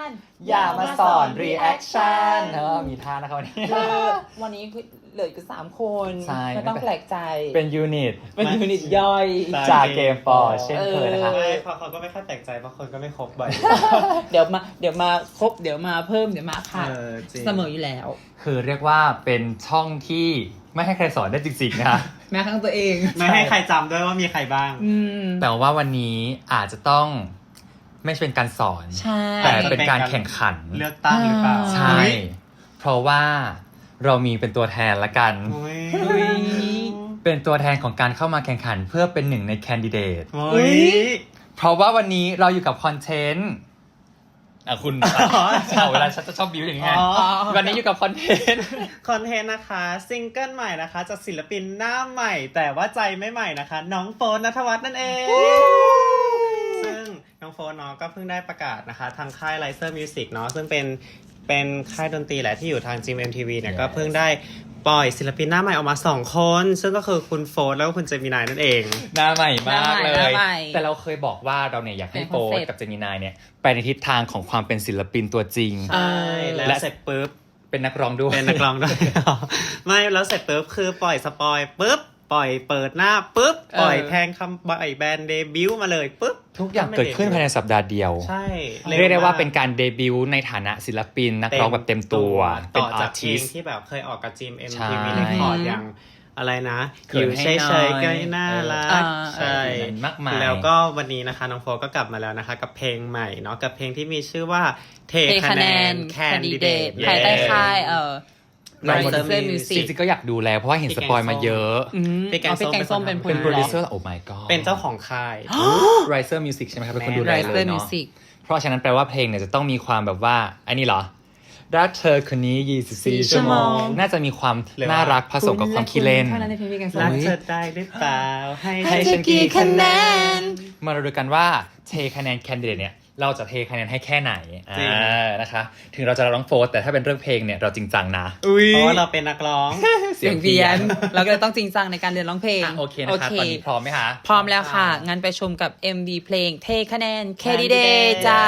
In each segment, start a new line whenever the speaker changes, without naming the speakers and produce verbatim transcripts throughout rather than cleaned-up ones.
อย่ามาสอน reaction เออมีท่านะครับวันนี้
วันนี้เหลืออยู่สามคน
ใช่
ไม่ต้องแปลกใจ
เป็นยูนิต
เป็นยูนิตย่อย
จากเกมฟอร์เช่นเคยนะคะ
ไม่เพราะเขาก็ไม่ค่อยแปลกใจเพราะคนก็ไม่ครบบ่อย
เดี๋ยวมาเดี๋ยวมาครบเดี๋ยวมาเพิ่มเดี๋ยวมาขาด
เออจริง
เสมออยู่แล้ว
คือเรียกว่าเป็นช่องที่ไม่ให้ใครสอนได้จริงๆนะคะ
แม้ครั้งตัวเอง
ไม่ให้ใครจำด้วยว่ามีใครบ้าง
อืม
แต่ว่าวันนี้อาจจะต้องไม่ใช่เป็นการสอน
ใช่
แต่เป็นการแข่งขัน
เลือกตั้งหรือเปล่า
ใช่ เพราะว่าเรามีเป็นตัวแทนละกัน
อุ๊ย
อุ๊ย
เป็นตัวแทนของการเข้ามาแข่งขันเพื่อเป็นหนึ่งในแคนดิเดต
อุ๊ย
เพราะว่าวันนี้เราอยู่กับคอนเทนต์อ่ะคุณเอาเวลาฉันจะชอบบิวอย่างนี้ไง
อ๋อ
วันนี้อยู่กับคอนเทนต์
คอนเทนต์นะคะซิงเกิลใหม่นะคะจากศิลปินหน้าใหม่ แต่ว่าใจไม่ใหม่นะคะ น้องโฟนณัฐวัฒน์นั่นเอง ซึ่งน้องโฟนเนาะก็เพิ่งได้ประกาศนะคะทางค่าย Riser Music เนาะซึ่งเป็นเป็นค่ายดนตรีแหละที่อยู่ทาง จี เอ็ม เอ็ม ที วี เนี่ย
Yes
ก็เพิ่งได้ปล่อยศิลปินหน้าใหม่ออกมาสองคน ซึ่งก็คือคุณโฟนแล้วก็คุณเจมินายนั่นเอง
หน้าใหม่มากเล
หน้าย ใหม่
แต่เราเคยบอกว่าเราเนี่ยอยากให้
เป็น
โฟ
concept
ร์กับเจมินายเนี่ยไปในทิศทางของความเป็นศิลปินตัวจริง
ใช่แล้ว
และ
เสร็จปุ๊บ
เป็นนักร้องด้วย
เป็นนักร้องด้วย ไม่แล้วเสร็จปุ๊บคือปล่อยสปอยปุ๊บปล่อยเปิดหน้าปุ๊บปล่อยแทงคำปล่อยแบรนด์เดบิวต์มาเลยปุ๊บ
ทุกอย่างเกิดขึ้นภายในสัปดาห์เดียว
ใช่
เรียกได้ว่าเป็นการเดบิวต์ในฐานะศิลปินนักร้องแบบเต็มตัวเป็น
ต่อ
อา
จาก
ร์
เพล
ติ
ง
ส
ที่แบบเคยออกกับจีมเอ็ม
ใช่
ทีวีเรคคอร์ดอย่างอะไรนะ
เขิ
อน ยู่
ให้
เฉ
หน่อย
ยๆก็น่ารั
เออ
กใช่
เออมากมาย
แล้วก็วันนี้นะคะน้องโฟก็กลับมาแล้วนะคะ กับเพลงใหม่เนาะกับเพลงที่มีชื่อว่าเท
เท
คะ
คะ
แน
แน
น
น
แค
แคน น
ดิ
ดิ
เด
เด
ต
ตภายใต้ค่ายเอ่อ
Riser
Riser
Music
จริงๆก็อยากดูแล้วเพราะว่าเห็นสปอยมาเยอะ
อืม
พี่แกง
เอาพี่แกง
ส้
ส้
ม
ม
เป็
เป็น น
คน
เป็นโปรดิว
ทำ
เซอร์โอ้ my god
เป็นเจ้าของค่าย
Riser Music ใช่ไหมครับเป็นคนดูแล
Riser
เลยเนาะ
Music
เพราะฉะนั้นแปลว่าเพลงเนี่ยจะต้องมีความแบบว่าอันนี้เหรอรักเธอคนนี้ยี่สิบสี่ชั่วโมงน่าจะมีความ
หรือว่า
น่ารักผสมกับความขี้เล่น
เท่านั้นในเพลงพี่แกงส้ม
รักเธอได้หรือเปล่าให้
ให้
ให้
เธ
ฉั
อน กี่คะแนน
มาดูกันว่าเทคะแนนแคนดิเดตเนี่ยเราจะเทคะแนนให้แค่ไหนอ่านะคะถึงเราจะร้องโฟร์แต่ถ้าเป็นเรื่องเพลงเนี่ยเราจริงจังนะ
เพราะว่าเราเป็นนักร้อง
เสียงเพี้ยน เราก็เลยต้องจริงจังในการเรียนร้องเพลง
อ่ะโอเคนะคะตอนนี้พร้อมไหมคะ
พร้อมแล้วค่ะ งั้นไปชมกับ เอ็ม วี เพลงเทคะแนน Candidate จาก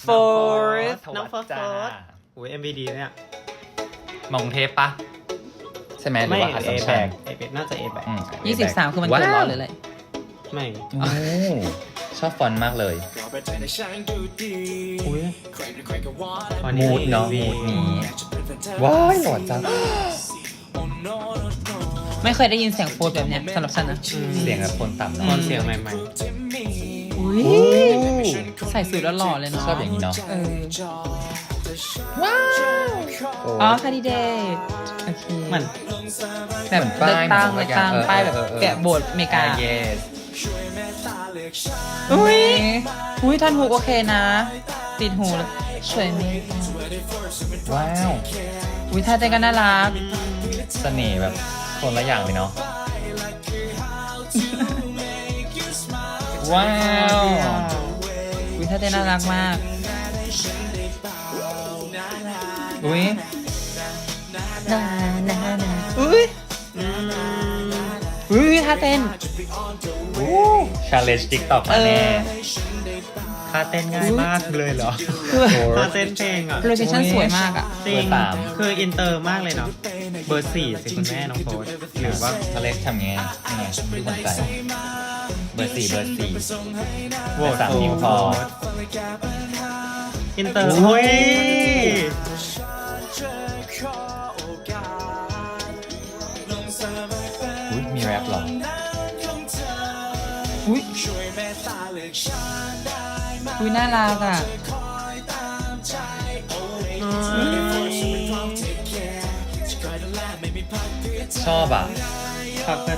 Fourth
น้องโฟร์
จ้า
โอ้ย เอ็ม วี ดีเนี่ย
มองเทปปะใช่ไหมหรือ
ไม่
ว่า
เอ
อัสสัม
แบ
ชัญ
กเอแบกน่าจะเอแบก
อืม
ยี่สิบสามคือมันเกิดร้อนเลยเลย
ไม่
โอ้ชอบฟอนต์มากเลย
อุ้ย
มูดเนาะมูดนี้ว้ายหล่อจัง
ไม่เคยได้ยินเสียงโฟร์แบบเนี้ยสำหรับฉันนะ
เสียงแบบคนต่ำ
ตอ
เนาะ
นเสียงใหม่
อุ้ยใส่สูทแล้วหล่อเลยเนาะ
ชอบอย่างนี้เนาะ
เออว้าวอ๋อ Candidate โอเค
ๆเหมือน
แบบเลือกตั้งเลือกตั้งป้ายแบบแกะโบสถ์อเมริกา
เยส
อุ้ยอุ้ยท่อนฮุกโอเคนะ ติดหูแล้วสวยไหม
ว้าว
อุ้ยท่าเต้นก็น่ารัก
เสน่ห์แบบคนละอย่างเลยเนาะว้าว
อุ้ยท่าเต้นน่ารักมาก
อุ้ย
นานานาอุ้ยอุ้ยท่าเต้น
ชาเลนจ์ติ๊กต็อกมาแน่
ท่าเต้นง่ายมากเลยเหรอ
คือ
ท่าเต้นเพลงอ่ะ
โลเคชั่นสวยมากอ่ะ
จริงคืออินเตอร์มากเลยเนาะเบอร์สี่สิคุณแม่น้องโฟร์หรือว่า
อเล็กทำไงยังไงไม่สนใจเบอร์สี่เบอร์สี่
โหวต
สามนิ้วพอ
อินเตอร์โอ้ย
อุ้ยมีแรปเหรอ
อุ้ยอุ้ยน่ารักอ่ะ
ชอบอ่ะ
ครับเพื่อน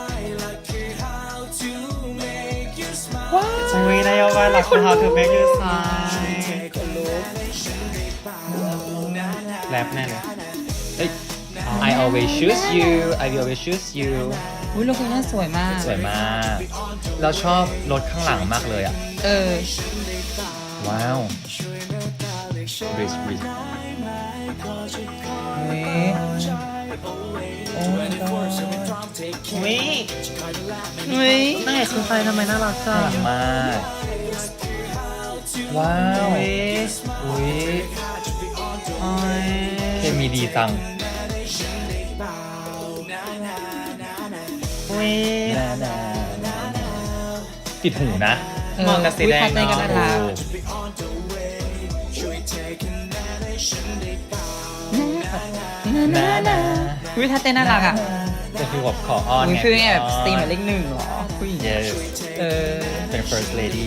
อุ้ยนายกว่าหลักของ How to Make You Smile แรปแน่เลย
เอ้ย I always choose you I will always choose you
อุ้ยโลเคชั่นสวยมาก
สวยมาก เราชอบรถข้างหลังมากเลยอ่ะ
เออ
ว้าว Bridge Bridge
อุ้ย
โอ้ my god
อุ้ย
อุ้ย
นางเอกคือใครทำไมน่ารักจั
น่าง รักมาก ว้าว
อุ้ย
อุ้ยเคมีดีจัง
อุ้ย
ติดหูนะ
เหมาะกับสีแดง
อุ๊ยคัดในกัน
เนาะ
น่ารักวิถ้าเต้นน่ารักอ่ะ
จะคือแบบขออ้อน
อุ๊ย
ไง
คือไงแบบสตรีมแบบเลขหนึ่งเหรอผู้หญิง
yes
เออ
เป็น first lady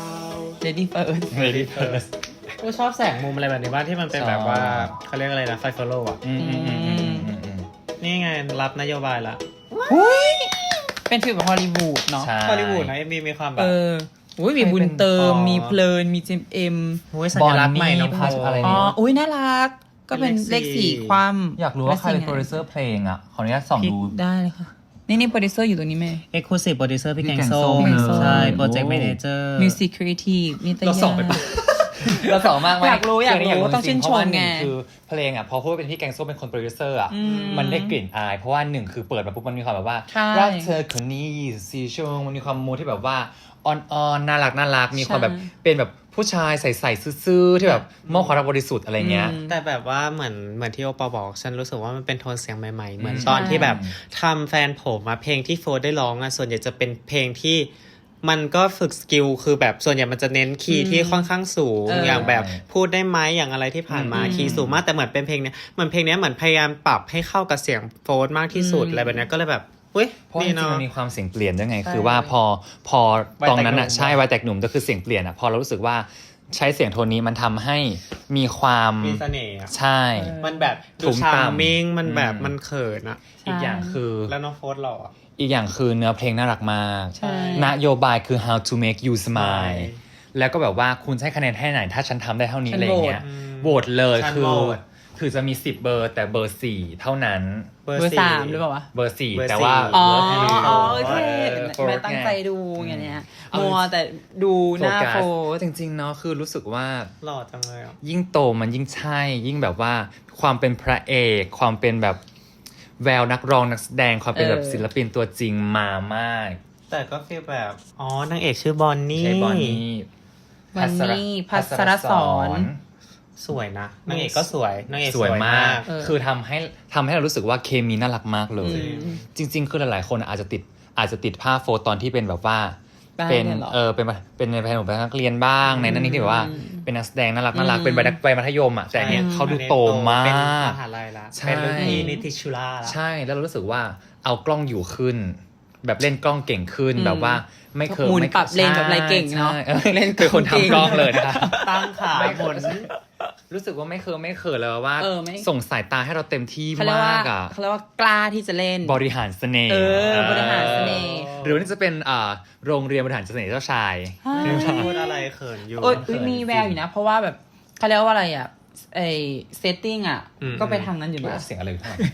lady first
lady first
กูชอบแสงมุมอะไรแบบนี้ว่าที่มันเป็นแบบว่าเขาเรียกอะไรนะไฟโฟโล่อะ
อืมอืมอืมอืมอืมอืม
นี่ไงรับนโยบายละ
เป็นฟีลแบบฮอลลีวูดเนาะ
ใช่
ฮอลลีวูดนะเอ็มบีมีความแบ
เอบ ออุ้ยมีบุญเติม
อ๋อ
มีเพลิน มีจิมเอ็ม
โอ้ยสัญลักษณ์ใหม่น้อง
บอนนี่
โฟ
พัชอะไร
อ๋อ
เนี่ย
อุ้ยน่ารัก ก็เป็นเลขสี่ความ
อยากรู้ว่าใครเป็น
และ
โปรดิวเซอร์เพลงอ่ะ ขออนุญาตส่องดู
ได้เลยค่ะ นี่นี่โปรดิวเซอร์อยู่ตรงนี้ไหม
เอ็กซ์คลูซีฟโปรดิวเซอร์พี่
พี่
แกง
แกงส้
ส้
ม
ม
เลย
ใช่
โอ้
โปรเจกต์แมเนเจอร์
มิวสิคครีเอทีฟนิตยา
เราส่องไปปะ เราส่องมากไหม
อยากรู้อยากรู้
คื
ต้องชื่นชม
เพราะว่าห
ไง
นึ่คือเพลงอ่ะพอพูดว่าเป็นพี่แกงส้มเป็นคนโปรดิวเซอร์อ่ะ
อืม
มันได้กลิ่นอาย เพราะว่าหนึ่งคือเปิดมาปุ๊บมันมีความแบบว่า
ใช่
รักเธอคนนี้ยี่สิบสี่ชั่วโมงมันมีความมูดที่แบบว่าอ่อนๆน่ารักน่ารักมีความแบบเป็นแบบผู้ชายใส่ๆซื่อๆที่แบบมอบความรักบริสุทธิ์อะไรเงี้ย
อืม
แต่แบบว่าเหมือนเหมือนที่โอปอบอก ฉันรู้สึกว่ามันเป็นโทนเสียงใหม่ๆ เหมือน
อืม
ตอนที่แบบ
ใช่
ทำแฟนผมมาเพลงที่โฟร์ได้ร้องอะส่วนใหญ่จะเป็นเพลงที่มันก็ฝึกสกิลคือแบบส่วนใหญ่มันจะเน้นคีย์ที่ค่อนข้างสูง
เออ
อ
อย่าง
แบบพูดได้ไหมอย่างอะไรที่ผ่านมา
อืม
คีย์สูงมากแต่เหมือนเป็นเพลงเนี้ยเหมือนเพลงเนี้ยเหมือนพยายามปรับให้เข้ากับเสียงโฟร์มากที่สุด
อืม
อะไรแบบเนี้ยก็เลยแบบเว้ย
เพราะจ
ดี
ริงๆ
เนาะ
มันมีความเสียงเปลี่ยนด้วยไง
ใช่
คือว่าพอพอ
วัย
ตรงนั้นอ่ะ
แตกหนุ่ม
ใช่วัยแตกหนุ่มก็คือเสียงเปลี่ยนอ่ะพอเรารู้สึกว่าใช้เสียงโทนนี้มันทำให้มีความ
มีเสน่ห์อะ
ใช่
มันแบบดู
ทุ้ม
ชา
ต่ำ
ร์มมิ่งมันแบบ
อืม
มันเขินอะ
อีกอย่างคือ
แล้วน้องโฟร์หล่ออะ
อีกอย่างคือเนื้อเพลงน่ารักมาก
ใช่
นโยบายคือ how to make you smile
ใช่
แล้วก็แบบว่าคุณจะให้คะแนนให้ไหน ถ้าฉันทำได้เท่านี้
ฉัน
อะไรอย่างเงี้ย
โหวต
โหวตเลย
ฉัน
คือ
โหวต
คือจะมีสิบเบอร์แต่เบอร์สี่เท่านั้น
เบอร์สามหรือเปล่าวะ
เบอร์สี่
เบอร์
แต่ว่า
สี่
อ๋อ
เบอร์สี่
อ๋อโอเค
เออ
แม่ตั้งใจ
โฟร์
ดูอย่างเนี้ย
เอา
มัวแต่ดูหน้า
โฟกัส
โฟร์
จริงๆเนาะคือรู้สึกว่า
หล่อจังเลยอ่ะ
ยิ่งโตมันยิ่งใช่ ยิ่งแบบว่าความเป็นพระเอก ความเป็นแบบแววนักร้องนักแสดงความเป็นแบบศิลปินตัวจริงมามาก
แต่ก็ฟีลแบบ อ๋อนางเอกชื่อบอนนี่
ใช่บอนนี่
วันนี้พัสรสอน
สวยนะนางเอกก็สวยนางเอก
สวยมาก
เออ
คือทำให้ทำให้เรารู้สึกว่าเคมีน่ารักมากเลย
อืม
จริง ๆ คือหลายๆคนอาจจะติดอาจจะติดภาพโฟตอนที่เป็นแบบว่า
บ้าน
เป็น
เนี่ยเหรอ
เออเป็นเป็นในแผนของนักเรียนบ้างในนั้นนี่ที่แบบว่า
อืม
เป็นนักแสดงน่ารักน่ารัก
อืม
เป็นวัยนักวัยมัธยมอ่ะแต่อันเนี้ย
อืม
เขาดูโตมา
เป็น
ก
มหาลัยละ
ใช่
เป็นรุ่นพี่นิติชุลาละ
ใช่แล้วเรารู้สึกว่าเอากล้องอยู่ขึ้น แบบเล่นกล้องเก่งขึ้น
อืม
แบบว่าไม่เคย
หมุน
ไม่
ปรับเลนแบบอะไรเก่งเนอะ
ใช่ออ
เล่นกล้
คือ
อง
คน
เก่ง
ทำกล้องเลยนะคะ
ตั้งขา
ไม่
ห
เค
มุ
ย
น
รู้สึกว่าไม่เคยไม่เคยเลยว่า
เออไม่
ส่งสายตาให้เราเต็มที่
เขาเรียกว่าม
ากอ่ะ
เขาเรียกว่ากล้าที่จะเล่น
บริหารเสน่ห์
เออบริหารเสน่ห์
หรือว่านี่จะเป็นอ่าโรงเรียนบริหารเสน่ห์เจ้าชาย
พูดอะไรเขินอยู่
โอ้ยอุ๊ยมีแววอยู่นะ เพราะว่าแบบเขาเรียกว่าอะไรอ่ะไอเซตติ้งอ่ะ
อืม
ก็ไปทางนั้นอยู่นะ
เสียงอะไรอยู่ท่าน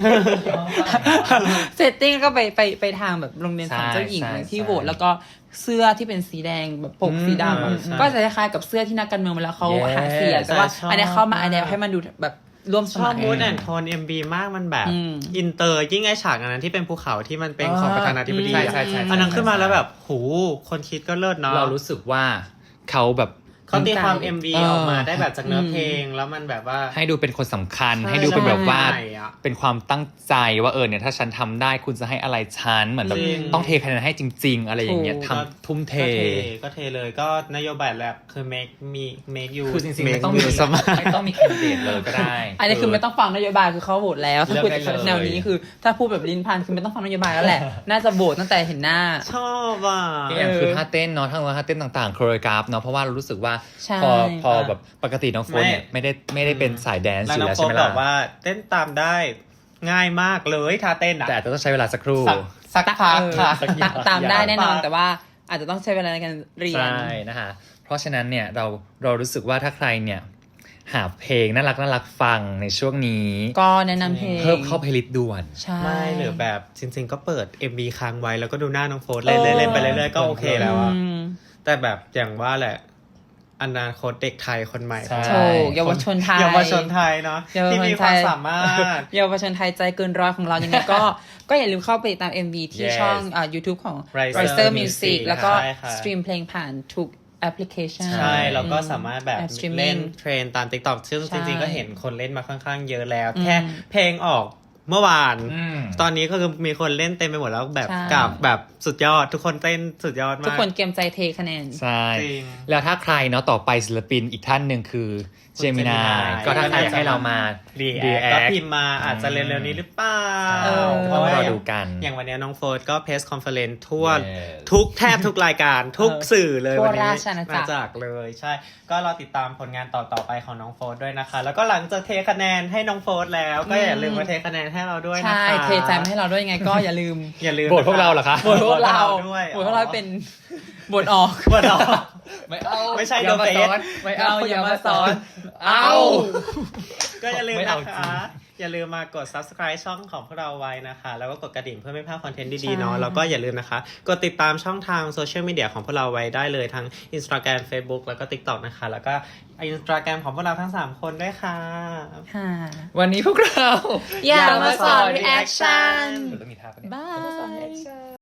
เซตติ้งก็ไปไปไปทางแบบโรงเรียนสอนเจ้าหญิง
ใช่ใช่
ที่
ใช่
โหวตแล้วก็เสื้อที่เป็นสีแดงแบบปก
อืม
สีดำอะ
ใช่
ก็จะคล้ายๆกับเสื้อที่นักการเมืองเวลาเขา
Yes
หาเสียงแต่ว่า
ใช่ชอบ
อันเนี้ยเข้ามา
มาก
อันเนี้ยให้มันดูแบบร่วมส
ชอบ
มัย
มูดแอนโทนเอ็มบีมากมันแบบ
อืม
อินเตอร์ยิ่งไอฉากอันนั้นที่เป็นภูเขาที่มันเป็นของประธานาธิบดี
ใช่
อะ
ใช่ใช่
อันนั้นขึ้นมาแล้วแบบหูคนคิดก็เลิศเนาะ
เรารู้สึกว่าเขาแบบ
เขาตีความ
เออ
เอ็ม วี ออกมาได้แบบจากเนื้อเพลงแล้วมันแบบว่า
ให้ดูเป็นคนสำคัญ
ใช่
ให้ดูเป็นแบบว่า
ใช่อะ
เป็นความตั้งใจว่าเออเนี่ยถ้าฉันทำได้คุณจะให้อะไรฉันเหมือนแบบ
จริง
ต้องเทคะแนนให้จริง ๆ อะไรอย่างเงี้ย
ถูก
ทำทุ่มเท
ก็เทก็เทเลยก็นโยบายแรกคือ make me make you
คือจริงๆ ไม่
make
ต้องมี
you สมัคร
ไม่ต้องมีแคนดิเดตเลยก็ได้
อันนี้คือไม่ต้องฟังนโยบายคือเขาโหวตแล้วถ้า
เลือก
พูด
ได้เลย
แนวนี้คือ ถ้าพูดแบบลิ้นพันคือไม่ต้องฟังนโยบายแล้วแหละ น่าจะโหวตตั้งแต่เห็นหน้า
ชอบอ่ะ
อีกอย่างคือท่าเต้นเนาะทั้งท่าเต้นต่างๆโคโรกราฟเนาะเพราะว่าเรารู้สึกว่า
ใช่
พอพอแบบปกติน้องโฟนเนี่ยไม่ได้ไม่ได้เป็นสายแดนซ์
แล้ว
อยู่
น้อง
แล้ว
โฟ
ใช่ไหม
บ
ล่ะ
อกว่าเต้นตามได้ง่ายมากเลยท่าเต้นอ่ะ
แต่อาจจะต้องใช้เวลาสักครู่
สักสักพัก
เออ
ค่ะ
สักอย่าง
ตามได้แน่นอน
สักพัก
แต่ว่าอาจจะต้องใช้เวลาในการเรียน
ใช่นะคะเพราะฉะนั้นเนี่ยเราเรารู้สึกว่าถ้าใครเนี่ยหาเพลงน่ารักน่ารักฟังในช่วงนี้
ก็แนะนำเพลง
เพิ่มเข้าเพลย์ลิสต์ด่วน
ใช่
ไม่หรือแบบจริง ๆ ก็เปิด เอ็ม วี ค้างไว้แล้วก็ดูหน้าน้องโฟร์เล่นๆเล่นไปเรื่อยๆก็โอเคแล้วอะ
อืม
แต่แบบอย่างว่าแหละอนาคตเด็กไทยคนใหม่
ใช่
โชว์เยาวชนไทย
เยาวชนไทยเนาะ
เยาวชนไทย
ที่มีความสามารถ
เยาวชนไทยใจเกินร้อยของเรายังไงก็ ก็อย่าลืมเข้าไปติดตาม เอ็ม วี ที่
Yes
ช่องอ่า YouTube ของ
Riser
Riser
Music
Music แล้วก็
ใช่ค่ะ
สตรีมเพลงผ่านทุกแอปพลิเคชัน
ใช่ แล้วก็สามารถแบบ
แอป streaming
เล่นเทรนตาม TikTok ซึ่ง
ใช่
จริงๆ ก็เห็นคนเล่นมาค่อนข้างเยอะแล้ว
อืม
แค่เพลงออกเมื่อวาน
อืม
ตอนนี้ก็คือมีคนเล่นเต็มไปหมดแล้วแบบ
ใช่
กับแบบสุดยอด ทุกคนเต้นสุดยอดมาก
ทุกคนเกรียมใจเทคะแนน
ใช่
จริง
แล้วถ้าใครเนาะต่อไปศิลปินอีกท่านหนึ่งคือเจมินา
Gemini
ก็ถ้าใครอยากให้เรามา
รีแอ
react
ก็พิมพ์มาอาจจะเร็วๆนี้หรือเปล่า
เออ
เพราะว่า
ต้องรอดูกัน
อย่างวันนี้น้องโฟร์ก็เพสคอนเฟอเรนซ์ทั่ว
Yes
ทุกแทบทุกรายการทุกสื่อเลย
ทั่ว
วันนี้
ราชอาณาจักร
จักรเลยใช่ ก็รอติดตามผลงานต่อๆไปของน้องโฟร์ด้วยนะคะ แล้วก็หลังจากเทคะแนนให้น้องโฟร์แล้ว ก็อย่าลืมมาเทคะแนนให้เราด้วยนะคะ
ใช่เทใจมาให้เราด้วยยังไงก็อย่าลืม
อย่าลืม
โหวตพวกเราเหรอคะ
บทพวกเรา
ด้วย
บทพวกเราเป็นบทออก
บทออก
ไม่เอา
ไม่ใช่
อย่ามา
The
สอน
Face
ไม่เอา
เอาอย่า
อย่า
มา
มา
ส
ส
อ
อน น เอา
ก็อย่าลืม
ไม่
นะ
เอาจริ
คะ
ง
อย่าลืมมากด subscribe ช่องของพวกเราไว้นะคะ แล้วก็กดกระดิ่งเพื่อไม่พลาดคอนเทนต์ดีๆเนาะ
ใช่
แล้วก็อย่าลืมนะคะ กดติดตามช่องทางโซเชียลมีเดียของพวกเราไว้ได้เลยทั้ง Instagram Facebook แล้วก็ TikTok นะคะ แล้วก็ Instagram ของพวกเราทั้งสามคนด้วยค่ะ
ค่ะ
วันนี้พวกเรา
อย่ามาสอน reaction
ต้องมีท่าปะเนี่ย
บาย